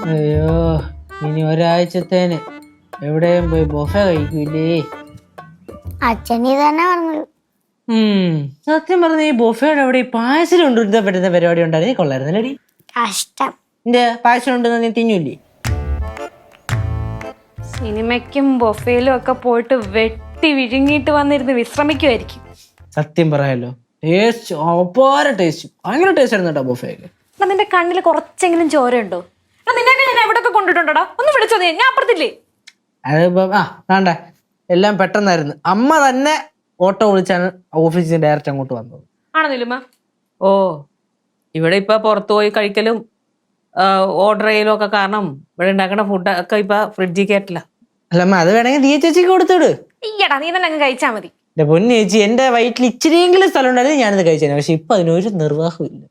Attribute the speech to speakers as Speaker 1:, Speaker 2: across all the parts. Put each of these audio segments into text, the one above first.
Speaker 1: അയ്യോ ഇനി ഒരാഴ്ചത്തേന് എവിടെയും പോയി ബൊഫ കഴിക്കൂലേ.
Speaker 2: അച്ഛനീ തന്നെ പറഞ്ഞു.
Speaker 1: സത്യം പറഞ്ഞ ഈ ബൊഫയുടെ അവിടെ ഈ പായസം കൊണ്ടുവരുന്ന പറ്റുന്ന പരിപാടി ഉണ്ടായിരുന്നു കൊള്ളായിരുന്നല്ലേടി.
Speaker 2: കഷ്ടം.
Speaker 1: എന്റെ പായസം ഉണ്ടെന്ന് നീ തിന്നൂല്ലേ?
Speaker 3: സിനിമയ്ക്കും ബൊഫയിലും ഒക്കെ പോയിട്ട് വെട്ടി വിഴുങ്ങിയിട്ട് വന്നിരുന്ന് വിശ്രമിക്കുമായിരിക്കും.
Speaker 1: സത്യം പറയാലോ, ടേസ്റ്റ് അപാര ടേസ്റ്റ്, ഭയങ്കര ടേസ്റ്റ് ആയിരുന്നു കേട്ടോ ബൊഫയൊക്കെ.
Speaker 3: നിന്റെ കണ്ണിൽ കുറച്ചെങ്കിലും ചോരയുണ്ടോ? നിന്നൊക്കെ ഞാൻ എവിടെയൊക്കെ കൊണ്ടിട്ടുണ്ടോടാ? ഒന്ന് വിളിച്ചോ നീ, ഞാൻ അപ്പുറത്തില്ലേ.
Speaker 1: അതിപ്പോ വേണ്ട, എല്ലാം പെട്ടെന്നായിരുന്നു. അമ്മ തന്നെ ഓട്ടോ വിളിച്ചാണ് ഓഫീസിൽ ഡയറക്റ്റ് അങ്ങോട്ട് വന്നത്.
Speaker 3: ആണോ നിലുമ?
Speaker 4: ഓ, ഇവിടെ ഇപ്പൊ പുറത്തു പോയി കഴിക്കലും ഓർഡർ ചെയ്യലും ഒക്കെ കാരണം ഇവിടെ ഉണ്ടാക്കുന്ന ഫുഡൊക്കെ ഇപ്പൊ ഫ്രിഡ്ജിൽ കയറ്റില്ല.
Speaker 1: അല്ലമ്മ, അത് വേണമെങ്കിൽ ദിയ ചേച്ചിക്ക് കൊടുത്തോട്.
Speaker 3: ഈയടാ, നീ തന്നെ അങ്ങ് കഴിച്ചാ മതി.
Speaker 1: എന്റെ പൊന്നു ചേച്ചി, എന്റെ വയറ്റിൽ ഇച്ചിരിയെങ്കിലും സ്ഥലം ഉണ്ടായിരുന്നു ഞാനിത് കഴിച്ചേനെ. പക്ഷെ ഇപ്പൊ അതിനൊരു നിർവാഹവും ഇല്ല.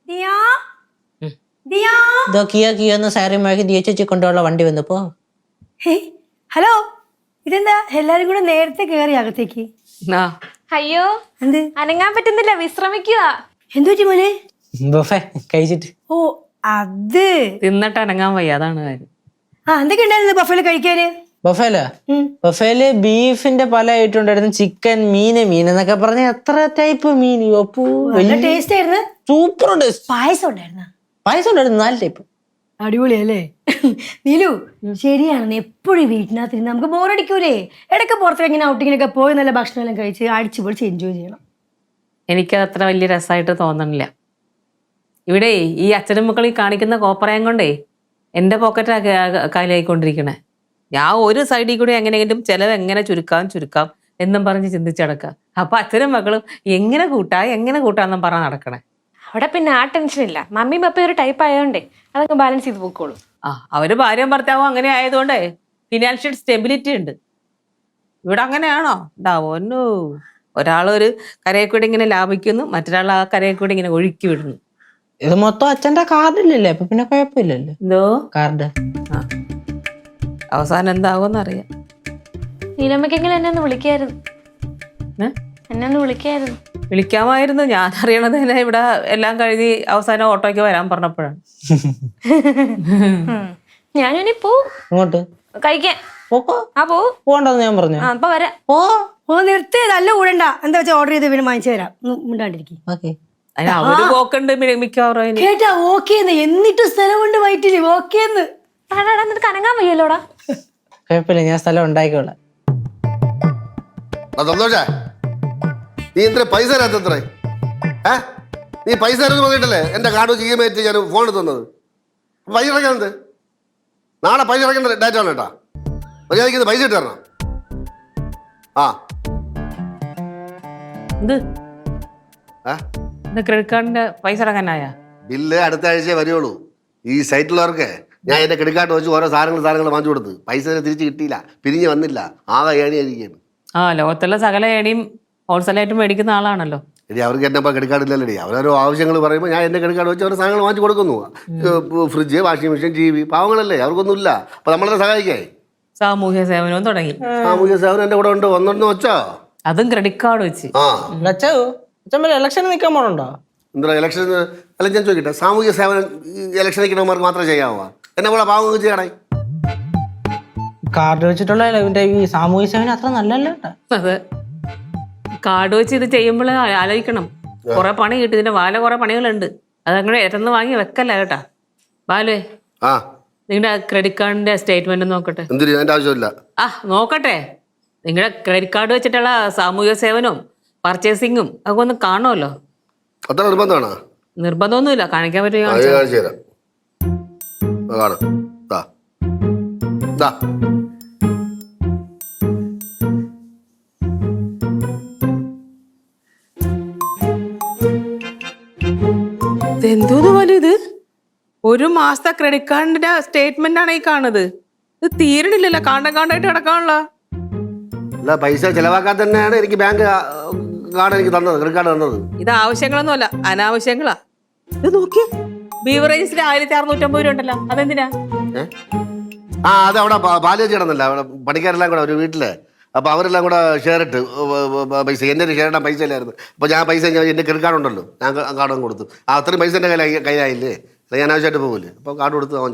Speaker 1: ഇതോ കിയോ സാരിമാക്കി ദിയ ചേച്ചി കൊണ്ടുള്ള വണ്ടി വന്നപ്പോ.
Speaker 5: ഹലോ, ഇതെന്താ എല്ലാരും കൂടെ നേരത്തെ കേറി അകത്തേക്ക്?
Speaker 3: അയ്യോ,
Speaker 5: എന്ത്
Speaker 3: അനങ്ങാൻ പറ്റുന്നില്ല, വിശ്രമിക്കുക.
Speaker 5: എന്തു പറ്റി മോനെ?
Speaker 1: ബൊഫെ കഴിച്ചിട്ട്.
Speaker 5: ഓ അത്
Speaker 4: തിന്നിട്ട് അനങ്ങാൻ വയ്യ, അതാണ് കാര്യം.
Speaker 5: എന്തൊക്കെ ഉണ്ടായിരുന്നു ബഫേല് കഴിക്കാന്?
Speaker 1: ബൊഫേല് ബീഫിന്റെ പല ഐറ്റം ഉണ്ടായിരുന്നു. ചിക്കൻ, മീൻ എന്നൊക്കെ പറഞ്ഞ എത്ര ടൈപ്പ് മീൻ.
Speaker 5: നല്ല ടേസ്റ്റ് ആയിരുന്നു.
Speaker 1: Super taste.
Speaker 5: പായസം ഉണ്ടായിരുന്ന?
Speaker 1: പായസം ഉണ്ടായിരുന്നു 4 ടൈപ്പ്.
Speaker 5: അടിപൊളിയല്ലേ നീലു? ശരിയാണ്, എപ്പോഴും വീട്ടിനകത്തിരുന്ന് നമുക്ക് ബോറടിക്കൂലേ? ഇടയ്ക്ക് പുറത്തേക്ക് ഇങ്ങനെ ഔട്ടിങ്ങിനൊക്കെ പോയി നല്ല ഭക്ഷണം എല്ലാം കഴിച്ച് അടിച്ചു പൊളിച്ച് എൻജോയ് ചെയ്യണം.
Speaker 4: എനിക്കത് അത്ര വലിയ രസമായിട്ട് തോന്നണില്ല. ഇവിടെ ഈ അച്ഛനും മക്കളീ കാണിക്കുന്ന കോപ്പറയം കൊണ്ടേ എൻ്റെ പോക്കറ്റാ കാലിയായിക്കൊണ്ടിരിക്കണേ. ഞാൻ ഒരു സൈഡിൽ കൂടി എങ്ങനെയെങ്കിലും ചിലവ് എങ്ങനെ ചുരുക്കാം എന്നും പറഞ്ഞ് ചിന്തിച്ചടക്കുക. അപ്പൊ അച്ഛനും മക്കളും എങ്ങനെ കൂട്ടാന്നും പറഞ്ഞ് നടക്കണേ.
Speaker 3: അവിടെ പിന്നെ ആ ടെൻഷൻ ഇല്ല. മമ്മിയും പപ്പയും ഒരു ടൈപ്പ് ആയതുകൊണ്ടേ അതൊക്കെ ബാലൻസ് ചെയ്ത് പോയിക്കോളൂ.
Speaker 4: അവര് ഭാര്യയും ഭർത്താവും അങ്ങനെ ആയതുകൊണ്ടേ ഫിനാൻഷ്യൽ സ്റ്റെബിലിറ്റി ഉണ്ട്. ഇവിടെ അങ്ങനെയാണോ? ഉണ്ടാവോന്നു. ഒരാളൊരു കരയെ കൂടി ഇങ്ങനെ ലാഭിക്കുന്നു, മറ്റൊരാൾ ആ കരയെ കൂടി ഇങ്ങനെ ഒഴുക്കി വിടുന്നു.
Speaker 1: ഇത് മൊത്തം അച്ഛന്റെ കാർഡില്ലല്ലേ, അപ്പൊ പിന്നെ കുഴപ്പമില്ലല്ലോ.
Speaker 4: എന്തോ
Speaker 1: കാർഡ്
Speaker 4: അവസാനം എന്താവോന്ന് അറിയാം.
Speaker 3: നീലമ്മക്കെങ്കിലും എന്നെ ഒന്ന് വിളിക്കായിരുന്നു. എന്നെ ഒന്ന് വിളിക്കായിരുന്നു.
Speaker 4: വിളിക്കാമായിരുന്നു. ഞാൻ അറിയണത് തന്നെ ഇവിടെ എല്ലാം കഴിഞ്ഞ് അവസാനം ഓട്ടോയ്ക്ക് വരാൻ പറഞ്ഞപ്പോഴാണ്.
Speaker 3: ഞാനിനി പോവും.
Speaker 1: ഇങ്ങോട്ട്
Speaker 3: കഴിക്കാൻ.
Speaker 1: പോകണ്ടെന്ന് ഞാൻ പറഞ്ഞു.
Speaker 3: അപ്പൊ വരാം.
Speaker 5: ഓ നിർത്ത്, നല്ല കൂടണ്ട. എന്താ വെച്ചാൽ ഓർഡർ ചെയ്ത് പിന്നെ വാങ്ങിച്ചു തരാം. മിണ്ടാണ്ടിരിക്കും.
Speaker 4: അതിന് അവര് പോക്കുണ്ട് മിക്കവാറും.
Speaker 5: കേട്ടാ ഓക്കേന്ന്, എന്നിട്ട് സ്ഥലം കൊണ്ട് വയറ്റില്ലേ ഓക്കേന്ന്.
Speaker 3: നിനക്ക് അനങ്ങാൻ വയ്യല്ലോടാ.
Speaker 1: കുഴപ്പമില്ല, ഞാൻ സ്ഥലം ഉണ്ടായിക്കോളാം.
Speaker 6: നീ എന്തിനാ പൈസ തരാത്തത്രേ? നീ പൈസ തരുമെന്ന് പറഞ്ഞിട്ടല്ലേ എന്റെ കാർഡ് വെച്ച് EMI ഞാൻ ഫോൺ തന്നത്? പൈസ അടയ്ക്കാനത് നാളെ പൈസ അടയ്ക്കേണ്ട ഡേറ്റ് ആണ് കേട്ടാ. മര്യാദയ്ക്ക് പൈസ ഇട്ട് തരണം.
Speaker 4: ക്രെഡിറ്റ് കാർഡിന്റെ പൈസ അടക്കാനായ
Speaker 6: ബില്ല് അടുത്ത ആഴ്ചയെ വരികയുള്ളൂ. ഈ സൈറ്റിലുള്ളവർക്ക് ഞാൻ എന്റെ ക്രെഡിറ്റ് കാർഡ് വെച്ച് ഓരോ സാധനങ്ങൾ വാങ്ങിച്ചു കൊടുത്ത് പൈസ തിരിച്ച് കിട്ടിയില്ല, പിരിഞ്ഞ് വന്നില്ല, ആകെ ഏണിയായിരിക്കുകയാണ്.
Speaker 4: ലോകത്തുള്ള സകല ഏണിയും ഹോൾസെയിലായിട്ട് മേടിക്കുന്ന ആളാണല്ലോ.
Speaker 6: എടി അവർക്ക് എന്നെ ക്രെഡിറ്റ് കാർഡ് ഇല്ലല്ലേ. അവരോരോ ആവശ്യങ്ങൾ പറയുമ്പോൾ ഞാൻ എൻ്റെ ക്രെഡിറ്റ് കാർഡ് വെച്ച് ഓരോ സാധനങ്ങൾ വാങ്ങിച്ചു കൊടുക്കുന്നു. Fridge, washing machine, TV. പാവങ്ങളല്ലേ, അവർക്കൊന്നുമില്ല. അപ്പൊ നമ്മളെ സഹായിക്കായി.
Speaker 4: സാമൂഹ്യ സേവനവും തുടങ്ങി.
Speaker 6: സാമൂഹ്യ സേവനം എന്റെ കൂടെ ഉണ്ട്. ഒന്നെണ്ണം വെച്ചോ,
Speaker 4: അതും ക്രെഡിറ്റ് കാർഡ് വെച്ച്.
Speaker 1: ഇലക്ഷൻ നിൽക്കാൻ പോണുണ്ടോ?
Speaker 6: എന്താ ഇലക്ഷൻ? അല്ല ഞാൻ ചോദിക്കട്ടെ, സാമൂഹ്യ സേവനം ഇലക്ഷൻ നിൽക്കുന്നവർക്ക് മാത്രമേ ചെയ്യാവോ? എന്നെ പോലെ പാവങ്ങൾ ചെയ്യണേ.
Speaker 1: കാർഡ് വെച്ചിട്ടുള്ള ഈ സാമൂഹ്യ സേവനം അത്ര നല്ലല്ലോ.
Speaker 4: അതെ, കാർഡ് വെച്ച് ഇത് ചെയ്യുമ്പോൾ ആലോചിക്കണം. കുറെ പണി കിട്ടും. ഇതിന്റെ കുറെ പണികളുണ്ട്. അതങ്ങനെ ഇരന്ന് വാങ്ങി വെക്കല്ല കേട്ടാ. ബാലുവേ, നിങ്ങളുടെ ക്രെഡിറ്റ് കാർഡിന്റെ സ്റ്റേറ്റ്മെന്റ് നോക്കട്ടെ.
Speaker 6: ആവശ്യമില്ല.
Speaker 4: നോക്കട്ടെ. നിങ്ങളുടെ ക്രെഡിറ്റ് കാർഡ് വെച്ചിട്ടുള്ള സാമൂഹ്യ സേവനവും പർച്ചേസിങ്ങും ഒക്കെ ഒന്ന് കാണുമല്ലോ.
Speaker 6: അത്ര നിർബന്ധമാണോ?
Speaker 4: നിർബന്ധമൊന്നുമില്ല, കാണിക്കാൻ പറ്റുമോ? എന്തോന്ന് പോലെ ഇത്? ഒരു മാസത്തെ ക്രെഡിറ്റ് കാർഡിന്റെ സ്റ്റേറ്റ്മെന്റ് ആണ് ഈ കാണുന്നത്. ഇത് തീരണില്ലല്ലോ, കാണ്ടായിട്ട് കിടക്കാനുള്ള.
Speaker 6: അല്ല, പൈസ ചെലവാക്കാൻ തന്നെയാണ് എനിക്ക് ബാങ്ക് കാർഡ് എനിക്ക് തന്നത്, ക്രെഡിറ്റ് കാർഡ് തന്നത്.
Speaker 4: ഇത് ആവശ്യങ്ങളൊന്നും അല്ല, അനാവശ്യങ്ങളാ. ഇത് നോക്കി, ബീവറേജിൽ 1650 രൂപ ഉണ്ടല്ലോ, അതെന്തിനാ?
Speaker 6: അത് അവിടെ പാല് കിടന്നില്ല. അവിടെ പണിക്കാരെല്ലാം കൂടെ ഒരു വീട്ടില്. അപ്പൊ അവരെല്ലാം കൂടെ ഷെയർ ഇട്ട് പൈസ. എൻ്റെ ഒരു ഷെയർ ഇടാൻ പൈസ ഇല്ലായിരുന്നു. അപ്പൊ ഞാൻ പൈസ എൻ്റെ ക്രെഡിറ്റ് കാർഡ് ഉണ്ടല്ലോ, ഞാൻ കാർഡ് കൊടുത്തു. അത്രയും പൈസ എൻ്റെ കയ്യിലായില്ലേ. ഞാൻ ആവശ്യമായിട്ട് പോകില്ലേ, അപ്പൊ കാർഡ് കൊടുത്ത് വാങ്ങിച്ചത്.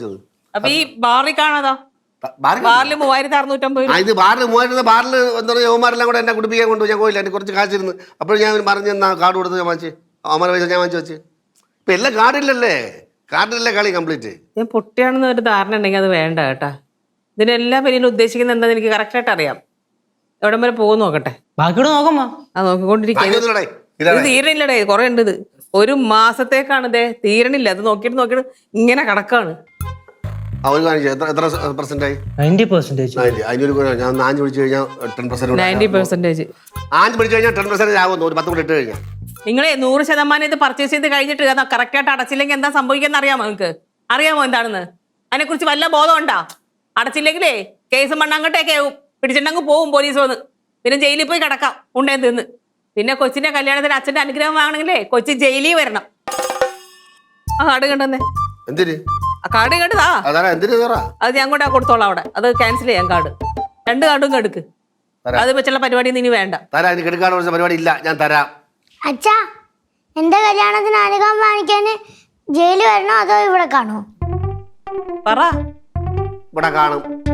Speaker 4: അപ്പൊ ഈ ബാറിൽ കാണാതാ ബാറിൽ 3650 രൂപ.
Speaker 6: ഇത് ബാറിൽ 3000 ബാറിൽ എന്താ പറയുക യവന്മാരെല്ലാം കൂടെ എന്നെ കുടിപ്പിക്കാൻ കൊണ്ടു ഞാൻ പോയില്ല. എനിക്ക് കുറച്ച് കാശിരുന്നു. അപ്പോൾ ഞാൻ പറഞ്ഞ് എന്നാ കാർഡ് കൊടുത്ത് ഞാൻ വാങ്ങിച്ച് അവന്മാരെ പൈസ ഞാൻ വാങ്ങിച്ച് വെച്ച്. ഇപ്പം എല്ലാം കാർഡില്ലല്ലേ, കാർഡിലല്ലേ കളി കംപ്ലീറ്റ്.
Speaker 4: ഞാൻ പൊട്ടിയാണെന്ന് ഒരു ധാരണ ഉണ്ടെങ്കിൽ അത് വേണ്ട കേട്ടാ. ഇതിനെല്ലാം പിന്നിൽ ഉദ്ദേശിക്കുന്നത് എന്താന്ന് എനിക്ക് കറക്റ്റായിട്ട് അറിയാം. എവിടം വരെ പോകും നോക്കട്ടെ.
Speaker 1: ബാക്കിയോട് നോക്കമ്മ.
Speaker 4: അത് നോക്കിക്കൊണ്ടിരിക്കുക. ഇത് തീരണില്ലടേ, കുറെ ഉണ്ട് ഇത്. ഒരു മാസത്തേക്കാണ് ഇതേ തീരണില്ല. അത് നോക്കിയിട്ട് ഇങ്ങനെ കിടക്കാണ്.
Speaker 6: അവർ കാണിച്ചു എത്ര പെർസെന്റായി?
Speaker 1: 90%.
Speaker 6: അതിനൊരു ഞാൻ 5 പിടിച്ചു കഴിഞ്ഞാൽ 10%.
Speaker 4: 90%.
Speaker 6: 5 പിടിച്ചു കഴിഞ്ഞാൽ 10% ആകുന്നു. ഒരു 10 കൂടെ ഇട്ട് കഴിഞ്ഞാൽ
Speaker 4: നിങ്ങളെ 100% ഇത് പർച്ചേസ് ചെയ്ത് കഴിഞ്ഞിട്ട് കറക്റ്റായിട്ട് അടച്ചില്ലെങ്കിൽ എന്താ സംഭവിക്കാന്ന് അറിയാമോ? നിങ്ങൾക്ക് അറിയാമോ എന്താണെന്ന്? അതിനെക്കുറിച്ച് വല്ല ബോധം ഉണ്ടാ? അടച്ചില്ലെങ്കിലേ കേസ് മണ്ണാങ്കട്ടേക്ക് പിടിച്ചിട്ടങ്ങ് പോവും പോലീസ് വന്ന്. പിന്നെ ജയിലിൽ പോയി കിടക്കാം ഉണ്ടേ തിന്ന്. പിന്നെ കൊച്ചിന്റെ കല്യാണത്തിന് അച്ഛന്റെ അനുഗ്രഹം വാങ്ങണമെങ്കിലേ കൊച്ചി ജയിലിൽ വരണം. ആ കാർഡ് കണ്ടെന്നേ.
Speaker 6: എന്തിന്
Speaker 4: ആ കാർഡ് കണ്ടതാ. അത് ഞാൻ കൊണ്ടാ കൊടുത്തോളാം അവിടെ. അത് ക്യാൻസൽ ചെയ്യാം കാർഡ്. 2 കാർഡും കെടുക്ക്. അത് വെച്ചുള്ള പരിപാടി ഇനി വേണ്ട.
Speaker 6: പരിപാടി ഇല്ല, ഞാൻ തരാം.
Speaker 2: അച്ഛാ, എന്റെ കല്യാണത്തിന് അനുഗ്രഹം വാങ്ങിക്കാൻ ജയിലിൽ വരണോ അതോ ഇവിടെ കാണോ?
Speaker 4: പറ.
Speaker 6: ഇവിടെ കാണും.